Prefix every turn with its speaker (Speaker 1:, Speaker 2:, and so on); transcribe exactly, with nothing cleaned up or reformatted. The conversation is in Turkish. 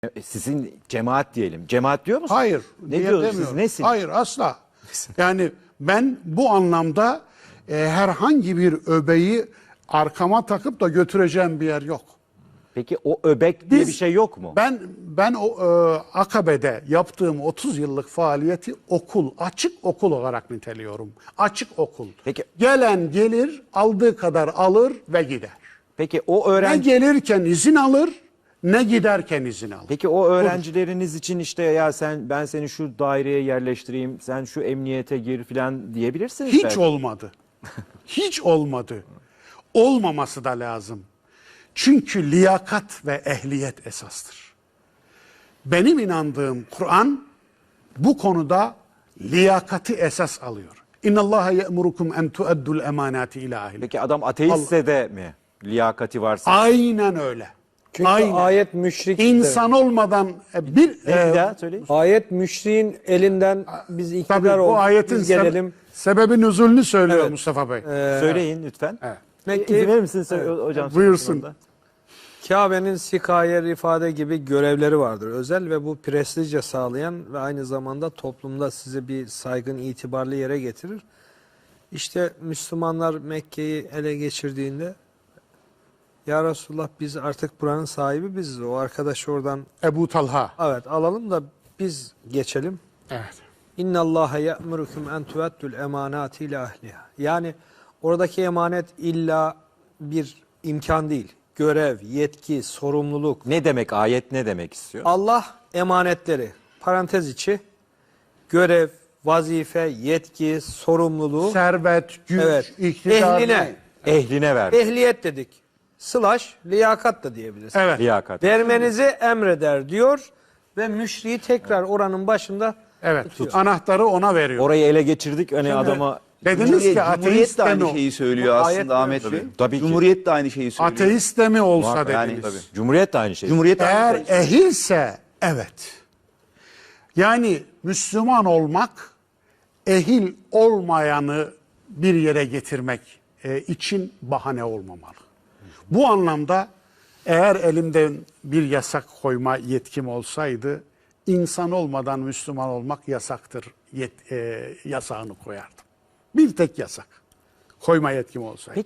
Speaker 1: E, Sizin cemaat diyelim. Cemaat diyor musunuz?
Speaker 2: Hayır.
Speaker 1: Ne
Speaker 2: diye
Speaker 1: diyorsunuz siz?
Speaker 2: demiyorum.
Speaker 1: Nesiniz?
Speaker 2: Hayır asla. Yani ben bu anlamda e, herhangi bir öbeği arkama takıp da götüreceğim bir yer yok.
Speaker 1: Peki o öbek diye
Speaker 2: Biz-
Speaker 1: bir şey yok mu?
Speaker 2: Ben ben o e, Akabe'de yaptığım otuz yıllık faaliyeti okul, açık okul olarak niteliyorum. Açık okul.
Speaker 1: Peki-
Speaker 2: Gelen gelir, aldığı kadar alır ve gider.
Speaker 1: Peki o
Speaker 2: Ne
Speaker 1: öğrenci
Speaker 2: gelirken izin alır, ne giderken izin alır.
Speaker 1: Peki o öğrencileriniz için işte ya sen ben seni şu daireye yerleştireyim, sen şu emniyete gir falan diyebilirsiniz
Speaker 2: Hiç
Speaker 1: belki.
Speaker 2: olmadı. Hiç olmadı. Olmaması da lazım. Çünkü liyakat ve ehliyet esastır. Benim inandığım Kur'an bu konuda liyakati esas alıyor. İnnallaha ye'murukum en tu'addul emanati ila ahli.
Speaker 1: Peki adam ateistse de mi liyakati varsa?
Speaker 2: Aynen öyle.
Speaker 3: Çünkü
Speaker 2: Aynen.
Speaker 3: ayet müşrik.
Speaker 2: İnsan olmadan e, bir
Speaker 1: Ne
Speaker 2: e,
Speaker 1: bir daha söyleyin.
Speaker 3: Ayet müşriğin elinden biz
Speaker 2: tabii
Speaker 3: iktidar
Speaker 2: bu
Speaker 3: olduk,
Speaker 2: ayetin
Speaker 3: biz
Speaker 2: sebe-
Speaker 3: gelelim.
Speaker 2: sebebi nüzulünü söylüyor
Speaker 3: Evet.
Speaker 2: Mustafa Bey.
Speaker 1: Söyleyin lütfen.
Speaker 2: Evet.
Speaker 3: Peki,
Speaker 1: İzin verir misiniz hocam?
Speaker 2: Buyursun.
Speaker 3: Kabe'nin sikaye, rifade gibi görevleri vardır. Özel ve bu prestijce sağlayan ve aynı zamanda toplumda sizi bir saygın, itibarlı yere getirir. İşte Müslümanlar Mekke'yi ele geçirdiğinde ya Resulullah biz artık buranın sahibi biziz. O arkadaş oradan
Speaker 2: Ebu Talha.
Speaker 3: evet alalım da biz geçelim.
Speaker 2: Evet.
Speaker 3: İnna Allaha ya'murukum en tu'addul emanati ila ahliha. Yani oradaki emanet illa bir imkan değil. Görev, yetki, sorumluluk.
Speaker 1: Ne demek ayet ne demek istiyor?
Speaker 3: Allah emanetleri parantez içi görev, vazife, yetki, sorumluluğu
Speaker 2: Servet, güç,
Speaker 3: evet
Speaker 2: iktidar.
Speaker 3: ehline,
Speaker 1: Ehline ver.
Speaker 3: ehliyet dedik. Slash liyakat da diyebiliriz.
Speaker 2: Evet.
Speaker 1: Liyakat.
Speaker 3: Vermenizi emreder diyor ve müşriyi tekrar oranın başında
Speaker 2: Evet. Anahtarı ona veriyor.
Speaker 1: Orayı ele geçirdik hani adama
Speaker 2: Dediniz
Speaker 4: Cumhuriyet,
Speaker 2: ki
Speaker 4: Cumhuriyet
Speaker 2: ateist
Speaker 4: de
Speaker 2: de
Speaker 4: aynı
Speaker 2: mi,
Speaker 4: şeyi söylüyor
Speaker 3: Bu ayet
Speaker 4: aslında Ahmet
Speaker 3: diyor.
Speaker 4: Bey.
Speaker 1: Tabii. Tabii ki.
Speaker 4: Cumhuriyet de aynı şeyi söylüyor.
Speaker 2: ateist de mi olsa
Speaker 1: Muhakkak,
Speaker 4: yani
Speaker 2: dediniz.
Speaker 4: tabii.
Speaker 1: Cumhuriyet de aynı şey.
Speaker 4: Cumhuriyet de
Speaker 2: Eğer
Speaker 4: aynı şeyi
Speaker 2: ehilse evet. Yani Müslüman olmak ehil olmayanı bir yere getirmek e, için bahane olmamalı. Bu anlamda eğer elimde bir yasak koyma yetkim olsaydı insan olmadan Müslüman olmak yasaktır yet, e, yasağını koyardım. Bir tek yasak koyma yetkim olsaydı.